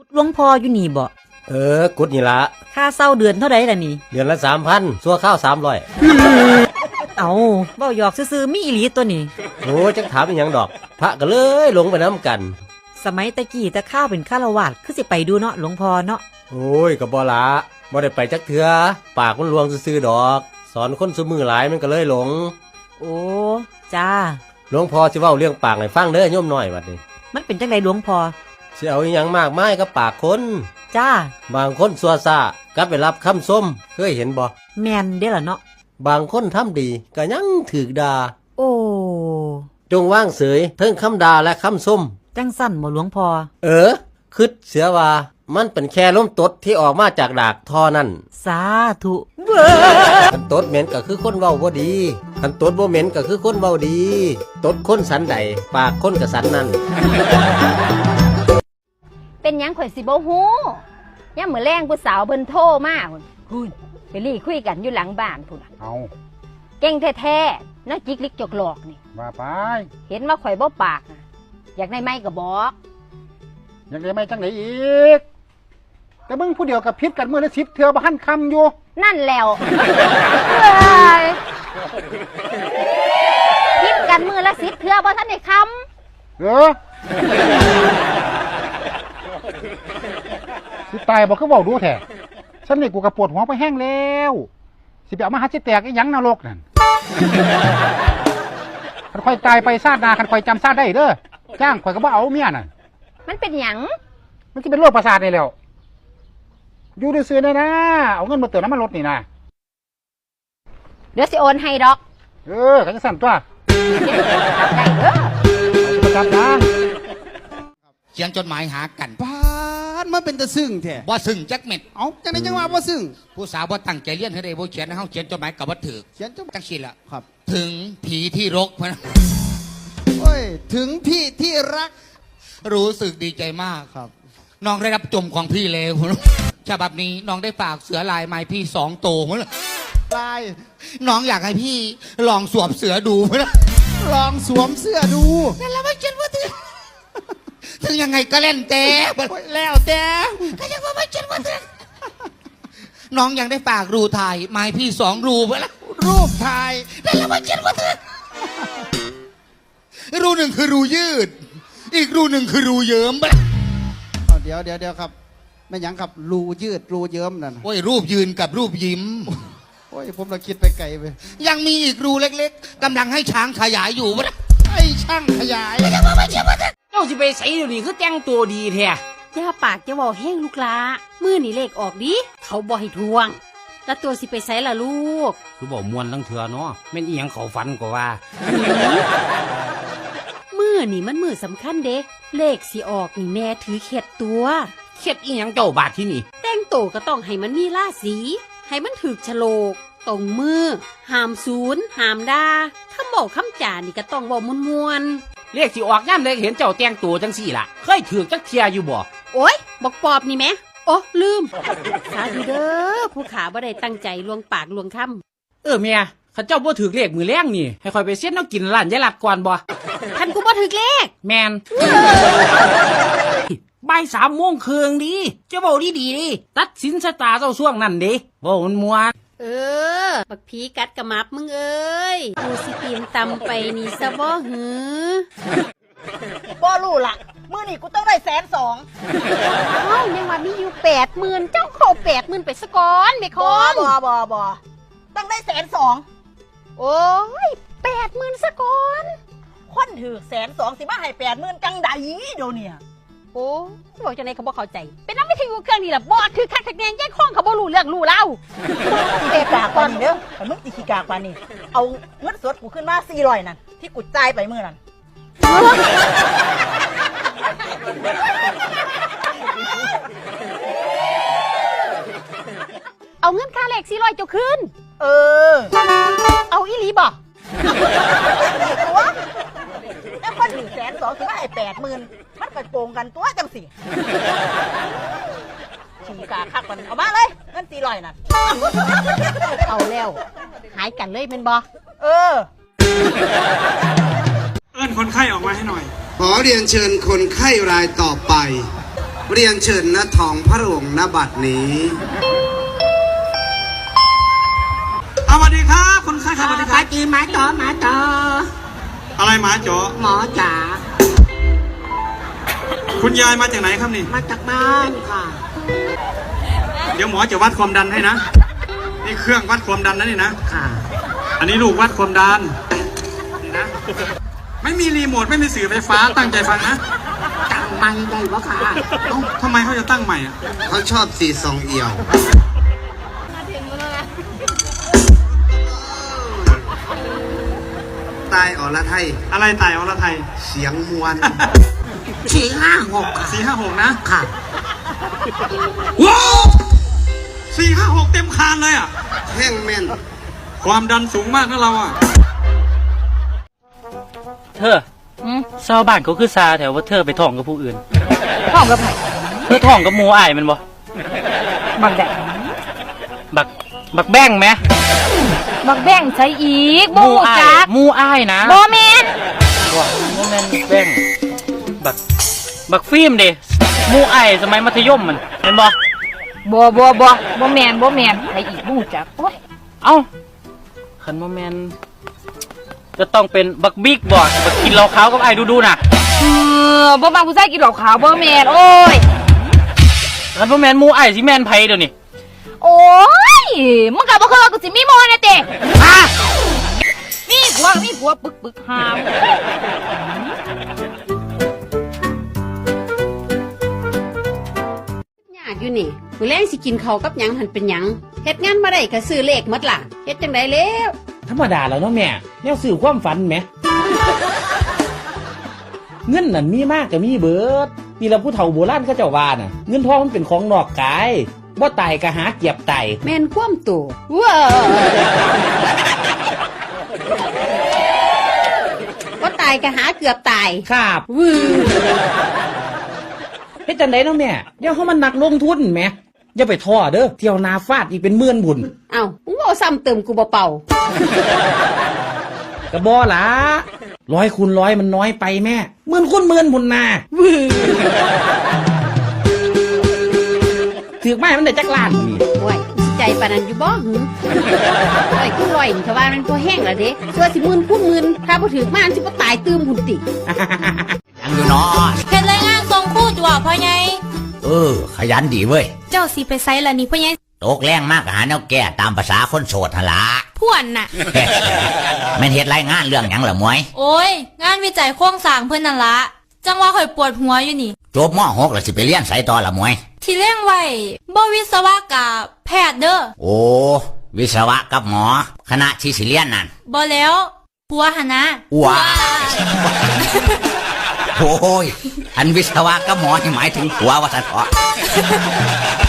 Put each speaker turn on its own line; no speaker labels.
หลวงพ่ออยู่นี่บ่
กุดนี่ละ
ค่าเช่าเดือนเท่าใดล่ะนี่
เดือนละ3,000ซัวข้าว300
เอาเว้าหยอกซื่อๆมีอีหลีตัวนี้
โอ้จักถามอีหยังดอกพระก็เลยหลงไปน้ำกัน
สมัยตะกี้ตะข้าวเป็นฆราวาสคือสิไปดูเนาะหลวงพ่อเนาะ
โอ้ยก็บ่ละบ่ได้ไปจักเทื่อปากมันลวงซื่อๆดอกสอนคนซุมือหลายมันก็เลยหลง
โอ้จ้า
หลวงพ่อสิเว้าเรื่องปากให้ฟังเด้อโยมน้อยบัดนี้
มันเป็นจังไดหลวงพ่อ
สิเอาอีหยังมากมายกับปากคน
จ้า
บางคนซัวซ่ากลับไปรับคำส้มเคยเห็นบ่
แม่นเด้ล่ะเนาะ
บางคนทำดีก็ยังถูกด่า
โอ้
จงว่างเสยเทิงคำด่าและคำส้ม
จังสั่นบ่หลวงพ่อ
คิดเสียว่ามันเป็นแค่ลมตดที่ออกมาจากดากท่อนั่น
สาธุ
คันตดเหม็นก็คือคนเว้าบ่ดีคันตดบ่เหม็นก็คือคนเว้าดีตดคนสันใดปากคนก็สันนั่น
เป็นหยังข่อยสิบ่ฮู้ยามมื้อแลงผู้สาวเพิ่นโทรมาพุ่นไปลี่คุยกันอยู่หลังบ้านพุ่น
เอา
เก่งแท้ๆน้าจิกลิกจกหลอกนี่
ว่าไป
เห็นว่าข่อยบ่ปากอยากได้ไม้ก็บอก
อยากได้ไม้จังได๋อีกแต่มึงผู้เดียวกับพิษกันมื้อละ10เทื่อบ่ทันคำอยู่
นั่นแล้วพิษกันมื้อละ10เทื่อบ่ทันได้คำ
สิตายบ่คือเว้าดูแท้ฉันนี่กูก็ปวดหัวไปแห้งแล้วสิไปเอามาหาสิแตกอีหยังนรกนั่นคันค่อยตายไปชาติหน้าคันค่อยจำชาติได้เด้อจ้างข่อยก็บ่เอาเมียน่ะ
มันเป็นหยัง
มันสิเป็นโรคประสาทนี่แล้วอยู่ซื่อๆนะเอาเงินมาเติมน้ำมันรถนี่นะ
เดี๋ยวสิโอนให้ดอก
ก็จะสั่นตัว
ได้เด้อ
ประจำยัง
เขียนจดหมายหากัน
ปานมันเป็นตะซึ้งแท้
บ่ซึ้งจักเม็ด
เอาจังได๋จังว่าบ่ซึ้ง
ผู้สาวบ่ตั้งใจเรียนให้ได้บ่เขียนให้เฮาเขียนจดหมายก็บ่ถูก
เขียนจั
งซี่ล่ะ
ครับ
ถึงผีที่รกพุ่น
โอ้ยถึงพี่ที่รัก
รู้สึกดีใจมาก
ครับ
น้องได้รับจมของพี่แล้วฉบับนี้น้องได้ฝากเสือลายไม้พี่2โตพุ่น
ลาย
น้องอยากให้พี่ลองสวมเสือดูพุ่น
ลองสวมเสื้อดู
นั่นล่ะบ่คิดว่าถึงยังไงก็เล่นแต่
แล้วแต่
ก็ยังว่าไม่คิดว่าน้องยังได้ฝากรูถ่ายไม้พี่2รูพุ่น
รูปถ่าย
นั่นล่ะบ่คิดว่ารูหนึ่งคือรูยืดอีกรูหนึ่งคือรูเยิ้ม
เดี๋ยวครับไม่ยังครับรูยืดรูเยิ้มนั่น
โอ้ยรูปยืนกับรูปยิ้ม
โอ้ยผมเราคิดไปไกลไป
ยังมีอีกรูเล็กๆกำลังให้ช้างขยายอยู่
ไอ้ช่างขยาย
เจ้าสิไปใส่เดี๋ยวนี้คือแต่งตัวดีแท้
อย่าปากจะบอกแห้งลูกลามือนี่เลขออกดิเขาบอกให้ทวงแล้วตัวสิไปใส่ล่ะลูก
คือบอกมวนทั้งเถื่อเนาะแม่นอีหยังเขาฝันกว่า
มือนี่มันมือสำคัญเด้เลขสิออกนี่แม่ถือเข็ดตัว
เข็ดอีหยังเจ้าบาดที่นี่
แต่งโตก็ต้องให้มันมีราศีให้มันถึกฉลกตรงมือห้ามศูนย์ห้ามด่าคำบอกคำจานี่ก็ต้องบอกมวน
เลขสิออกย่ำเลยเห็นเจ้าแต่งตัวจังสี่ล่ะเคยถือจักเทียอยู่บ่
โอ๊ยบอกปอบนี่แม่โอ้ลืมสาธุเด้อผู้ขาบ่ได้ตั้งใจลวงปากลวงค
ำเมียข้าเจ้าบ่ถือเลขมือแรงนี่ให้คอยไปเสียนเอากินร้านยายหลัดก่อนบ่
ท่านกูบ่ถือเลข
แมนบ่าย3 โมงครึ่งดิเจ้าเว้าดีดิตัดสินชะตาเจ้าช่วงนั้นดิเว้ามันม่วน
บักผีกัดกระมับมึงเอ้ยกูสิตีนตำไปนี่ซะบ่หือ
บ่รู้ล่ะมื้อนี้กูต้องได้120,000
ยังว่ามีอยู่80,000เจ้าขอ80,000ไปซะก่อนแม่คอม
บ่ต้องได้120,000
โอ้ย80,000ซะก่อน
คนถือ120,000สิมาให้80,000จังใดเดี๋ยวนี้
โอ้บอกจังได๋เขาบ่เข้าใจเป็นนำวิทยุเครื่องนี่ล่ะบอดคือคักแน่แย่งของเขาบ่รู้เรื่องรู้เล่า
เตะปากก่อนเด้อถ้ามึงสิขี้กากปานนี้เอาเงินสดกูขึ้นมา400นั่นที่กูจ่ายไปมื้อนั้น
เอาเงินค่าเลข400เจ้าคืนเอาอีหลีบ่
แล้วคนถือ120,000สิมาให้80,000มันก็โกงกันตัวจังสิขี้กากคักมันเอามาเลยเงิน400นั่น
เอาแล้วหายกันเลยแม่นบ่
เ
อิ้นคนไข้ออกมาให้หน่อย
ขอเรียนเชิญคนไข้รายต่อไป
เรียนเชิญณทองพระโรงณบัดนี้สวัสดีครับคนไข้ครับสวัสดีครับจีหมาจ๋ออะไรหมาจ๋อหมอจ๋าคุณยายมาจากไหนครับนี่มาจากบ้านค่ะเดี๋ยวหมอจะวัดความดันให้นะนี่เครื่องวัดความดันนะนี่นะค่ะอันนี้ลูกวัดความดันนี่นะไม่มีรีโมทไม่มีสื่อไฟฟ้าตั้งใจฟังนะตั้งใหม่ได้ปะค่ะทำไมเขาจะตั้งใหม่อ่ะเขาชอบสีซองเอี่ยวตายอรไทยอะไรตายอรไทยเสียงมวล456นะค่ะว้าว456เต็มคานเลยอ่ะแห้งแม่นความดันสูงมากนะเราอ่ะ
เธอชาวบ้านเขาคือซาแถวว่าเธอไปท่องกับผู้อื่น
ท้องกับไผ
เธอท่องกับหมูอ้ายมันบ่
บักแดง
บักแบ้งไหม
บักแบ่งใช้อีกบ่ฮู้จัก
หมูอ้ายนะ
บ่แม่น
บ่แม่นแบ้งบักฟิล์มเด้หมูอ้ายสมัยมัธยมมันเห็นบ่
บ่แม่นใช้อีกบ่ฮู้จักโอ้ย
เอ้าคันบ่แม่นจะต้องเป็นบักบิ๊กบ่บักกินเหล้าขาวกับอ้ายดูๆน่ะ
บ่มักผู้ชายกินเหล้าขาวบ่แม่นโอ้ย
คันบ่แม่นหมูอ้ายสิแม่นไผเดี๋ยวนี้
โอ้ยมึงก็บ่เคยว่ากูสิมีโมนะเต้ฮะมีผัวปึกหาม
ยากอยู่นี่มื้อแรงสิกินข้าวกับหยังหันเป็นหยังเฮ็ดงานมาได้ก็ซื้อเลขหมดล่ะเฮ็ดจังไดแล้ว
ธรรมดาแล้วเนาะแม่แนวสื่อความฝันแหม เงินนั่นมีมากก็มีเบิดนี่ละผู้เฒ่าโบราณเขาเจ้าว่าน่ะเงินทองมันเป็นของนอกกายบ่ตายก็หาเก็บไต
แม่นความตัวว้าบ่ตายก็หาเกือบตาย
ครับ
วือ
เฮ็ดจังได๋เนาะแม่เดี๋ยวเฮามันนักลงทุนแหมอย่าไปท้อเด้อเที่ยวนาฟาดอีกเป็นหมื่นบุญ
เอ้ามึงบ่ซ้ำเติมกูบ่เป่า
ก็บ่ล่ะ100 คูณ 100มันน้อยไปแม่หมื่นคูณหมื่นพุ่นน่ะถือไม้มันได้จักล้านนี่
โอ้ยใจปานนั้นอยู่บ่หึไอ้กูลอยนี่เขาว่ามันพอแห้งแล้วเด้ส่วนสิหมื่นคูณหมื่นถ้าบ่ถึกมาอันสิบ่ตายตื้มหุ่นติ
ยังอยู่เนาะ
เฮ็ดรายงานส่งครูจั่วพ่อใหญ่
ขยันดีเว้ย
เจ้าสิไปไสล่ะนี่พ่อใหญ่
ตกแรงมากหาแนวแก้ตามภาษาคนโสดหนละ
พ่วนน่ะ
แม่นเฮ็ดรายงานเรื่องหยังล่ะมวย
โอ้ยงานวิจัยโครงสร้างเพิ่นนั่นละจังว่าข่อยปวดหัวอยู่นี่
จบม.6แล้วสิไปเรียนไสต่อล่ะมวย
ที่เลี้ยงไว้บ่วิศวะกับแพทย์เด้อ
โอ้วิศวะกับหมอ คณะที่สิเรียนนั่น
บ่แล้วผัวหั่นนะ
ว้าโอ้ยอันวิศวะกับหมอนี่หมายถึงผัวว่าซั่นเถาะ